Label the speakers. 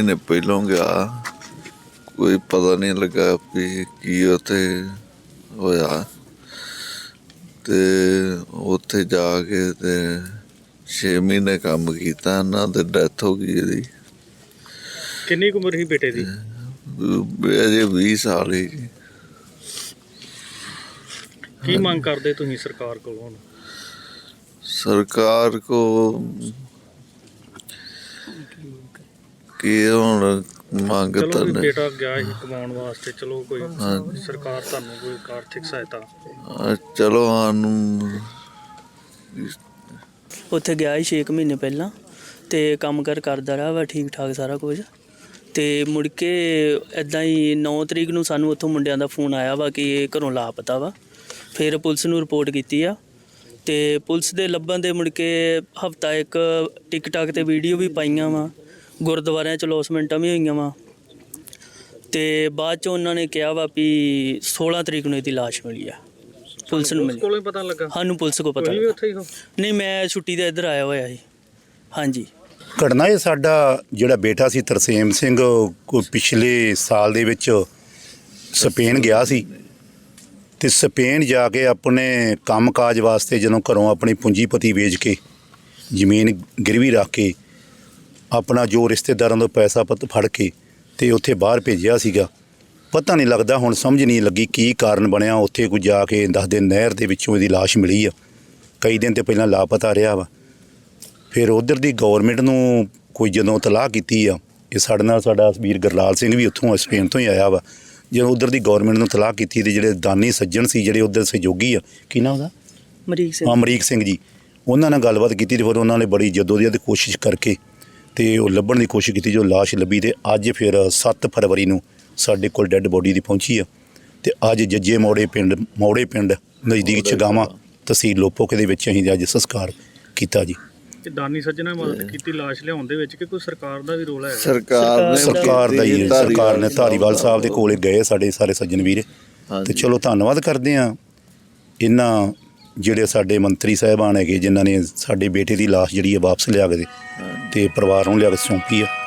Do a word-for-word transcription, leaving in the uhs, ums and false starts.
Speaker 1: ਮਹੀਨੇ ਪਹਿਲੋਂ ਗਿਆ, ਕੋਈ ਪਤਾ ਨਹੀਂ ਲੱਗਾ ਵੀ ਕੀ ਉੱਥੇ ਹੋਇਆ। ਤੇ ਉੱਥੇ ਜਾ ਕੇ ਤੇ ਛੇ ਮਹੀਨੇ ਕੰਮ ਕੀਤਾ, ਇਹਨਾਂ ਤੇ ਡੈਥ ਹੋ ਗਈ ਇਹਦੀ।
Speaker 2: ਕਿੰਨੀ ਕੁ ਉਮਰ ਸੀ ਬੇਟੇ ਦੀ?
Speaker 1: ਅਜੇ ਵੀਹ ਸਾਲ ਹੀ।
Speaker 2: ਕੀ ਮੰਗ ਕਰਦੇ ਤੁਸੀਂ ਸਰਕਾਰ ਕੋਲੋਂ ਹੁਣ?
Speaker 1: ਸਰਕਾਰ ਕੋ ਕੀ ਹੁਣ ਮੰਗ
Speaker 2: ਚਲੋ
Speaker 1: ਤਾਂ
Speaker 2: ਵੀ
Speaker 1: ਨਹੀਂ।
Speaker 2: ਬੇਟਾ ਗਿਆ ਸੀ ਕਮਾਉਣ ਵਾਸਤੇ, ਚਲੋ ਕੋਈ ਸਰਕਾਰ ਤੁਹਾਨੂੰ ਕੋਈ ਆਰਥਿਕ ਸਹਾਇਤਾ?
Speaker 1: ਹਾਂ, ਚਲੋ ਸਾਨੂੰ
Speaker 3: ਉੱਥੇ ਗਿਆ ਸੀ ਛੇ ਕੁ ਮਹੀਨੇ ਪਹਿਲਾਂ, ਅਤੇ ਕੰਮ ਕਾਰ ਕਰਦਾ ਰਿਹਾ ਵਾ ਠੀਕ ਠਾਕ ਸਾਰਾ ਕੁਝ। ਅਤੇ ਮੁੜ ਕੇ ਇੱਦਾਂ ਹੀ ਨੌ ਤਰੀਕ ਨੂੰ ਸਾਨੂੰ ਉੱਥੋਂ ਮੁੰਡਿਆਂ ਦਾ ਫੋਨ ਆਇਆ ਵਾ ਕਿ ਇਹ ਘਰੋਂ ਲਾਪਤਾ ਵਾ। ਫਿਰ ਪੁਲਿਸ ਨੂੰ ਰਿਪੋਰਟ ਕੀਤੀ ਆ, ਅਤੇ ਪੁਲਿਸ ਦੇ ਲੱਭਣ ਦੇ ਮੁੜ ਕੇ ਹਫ਼ਤਾ ਇੱਕ ਟਿਕਟਾਕ 'ਤੇ ਵੀਡੀਓ ਵੀ ਪਾਈਆਂ ਵਾ, ਗੁਰਦੁਆਰਿਆਂ 'ਚ ਲੌਸਮੈਂਟਾਂ ਵੀ ਹੋਈਆਂ ਵਾ। ਅਤੇ ਬਾਅਦ 'ਚ ਉਹਨਾਂ ਨੇ ਕਿਹਾ ਵਾ ਵੀ ਸੋਲਾਂ ਤਰੀਕ ਨੂੰ ਇਹਦੀ ਲਾਸ਼ ਮਿਲੀ ਆ, ਪੁਲਿਸ ਨੂੰ ਮਿਲੀ।
Speaker 2: ਕੋਲੋਂ ਪਤਾ ਲੱਗਾ?
Speaker 3: ਸਾਨੂੰ ਪੁਲਿਸ ਕੋਲ ਪਤਾ
Speaker 2: ਵੀ ਉੱਥੇ ਹੀ ਹੋ?
Speaker 3: ਨਹੀਂ, ਮੈਂ ਛੁੱਟੀ 'ਤੇ ਇੱਧਰ ਆਇਆ ਹੋਇਆ ਸੀ। ਹਾਂਜੀ।
Speaker 4: ਘਟਨਾ ਇਹ ਸਾਡਾ ਜਿਹੜਾ ਬੇਟਾ ਸੀ ਤਰਸੇਮ ਸਿੰਘ, ਕੋਈ ਪਿਛਲੇ ਸਾਲ ਦੇ ਵਿੱਚ ਸਪੇਨ ਗਿਆ ਸੀ, ਅਤੇ ਸਪੇਨ ਜਾ ਕੇ ਆਪਣੇ ਕੰਮ ਕਾਜ ਵਾਸਤੇ ਜਦੋਂ ਘਰੋਂ ਆਪਣੀ ਪੂੰਜੀਪਤੀ ਵੇਚ ਕੇ ਜ਼ਮੀਨ ਗਿਰਵੀ ਰੱਖ ਕੇ ਆਪਣਾ ਜੋ ਰਿਸ਼ਤੇਦਾਰਾਂ ਤੋਂ ਪੈਸਾ ਪੱਤ ਫੜ ਕੇ ਅਤੇ ਉੱਥੇ ਬਾਹਰ ਭੇਜਿਆ ਸੀਗਾ। ਪਤਾ ਨਹੀਂ ਲੱਗਦਾ, ਹੁਣ ਸਮਝ ਨਹੀਂ ਲੱਗੀ ਕੀ ਕਾਰਨ ਬਣਿਆ। ਉੱਥੇ ਕੋਈ ਜਾ ਕੇ ਦੱਸਦੇ ਨਹਿਰ ਦੇ ਵਿੱਚੋਂ ਇਹਦੀ ਲਾਸ਼ ਮਿਲੀ ਆ। ਕਈ ਦਿਨ ਤੇ ਪਹਿਲਾਂ ਲਾਪਤਾ ਰਿਹਾ ਵਾ। ਫਿਰ ਉੱਧਰ ਦੀ ਗੌਰਮੈਂਟ ਨੂੰ ਕੋਈ ਜਦੋਂ ਇਤਲਾਹ ਕੀਤੀ ਆ, ਇਹ ਸਾਡੇ ਨਾਲ ਸਾਡਾ ਵੀਰ ਗੁਰਲਾਲ ਸਿੰਘ ਵੀ ਉੱਥੋਂ ਸਪੇਨ ਤੋਂ ਹੀ ਆਇਆ ਵਾ। ਜਦੋਂ ਉੱਧਰ ਦੀ ਗੌਰਮੈਂਟ ਨੂੰ ਇਤਲਾਹ ਕੀਤੀ ਤੇ ਜਿਹੜੇ ਦਾਨੀ ਸੱਜਣ ਸੀ, ਜਿਹੜੇ ਉੱਧਰ ਸਹਿਯੋਗੀ ਆ, ਕੀ ਨਾਮ ਉਹਦਾ?
Speaker 3: ਅਮਰੀਕ ਸਿੰਘ।
Speaker 4: ਅਮਰੀਕ ਸਿੰਘ ਜੀ, ਉਹਨਾਂ ਨਾਲ ਗੱਲਬਾਤ ਕੀਤੀ ਅਤੇ ਫਿਰ ਉਹਨਾਂ ਨੇ ਬੜੀ ਜਦੋਜਹਿਦ ਕੋਸ਼ਿਸ਼ ਕਰਕੇ ਅਤੇ ਉਹ ਲੱਭਣ ਦੀ ਕੋਸ਼ਿਸ਼ ਕੀਤੀ। ਜੋ ਲਾਸ਼ ਲੱਭੀ ਅਤੇ ਅੱਜ ਫਿਰ ਸੱਤ ਫਰਵਰੀ ਨੂੰ ਸਾਡੇ ਕੋਲ ਡੈੱਡ ਬੋਡੀ ਦੀ ਪਹੁੰਚੀ ਆ। ਅਤੇ ਅੱਜ ਜੱਜੇ ਮੋੜੇ ਪਿੰਡ ਮੋੜੇ ਪਿੰਡ ਨਜ਼ਦੀਕ ਚਗਾਵਾਂ ਤਹਿਸੀਲ ਲੋਪੋਕੇ ਦੇ ਵਿੱਚ ਅਸੀਂ ਅੱਜ ਸੰਸਕਾਰ ਕੀਤਾ ਜੀ।
Speaker 2: ਕਿ ਦਾਨੀ ਸੱਜਣਾ ਮਦਦ ਕੀਤੀ ਲਾਸ਼ ਲਿਆਉਣ ਦੇ ਵਿੱਚ, ਕਿ ਕੋਈ ਸਰਕਾਰ ਦਾ ਵੀ ਰੋਲ ਹੈ?
Speaker 1: ਸਰਕਾਰ ਨੇ
Speaker 4: ਸਰਕਾਰ ਦਾ ਹੀ, ਸਰਕਾਰ ਨੇ ਧਾਰੀਵਾਲ ਸਾਹਿਬ ਦੇ ਕੋਲੇ ਗਏ ਸਾਡੇ ਸਾਰੇ ਸੱਜਣ ਵੀਰ, ਅਤੇ ਚਲੋ ਧੰਨਵਾਦ ਕਰਦੇ ਹਾਂ ਇਹਨਾਂ ਜਿਹੜੇ ਸਾਡੇ ਮੰਤਰੀ ਸਾਹਿਬਾਨ ਹੈਗੇ, ਜਿਨ੍ਹਾਂ ਨੇ ਸਾਡੇ ਬੇਟੇ ਦੀ ਲਾਸ਼ ਜਿਹੜੀ ਹੈ ਵਾਪਸ ਲਿਆ ਕੇ ਅਤੇ ਪਰਿਵਾਰ ਨੂੰ ਲਿਆ ਕੇ ਸੌਂਪੀ ਆ।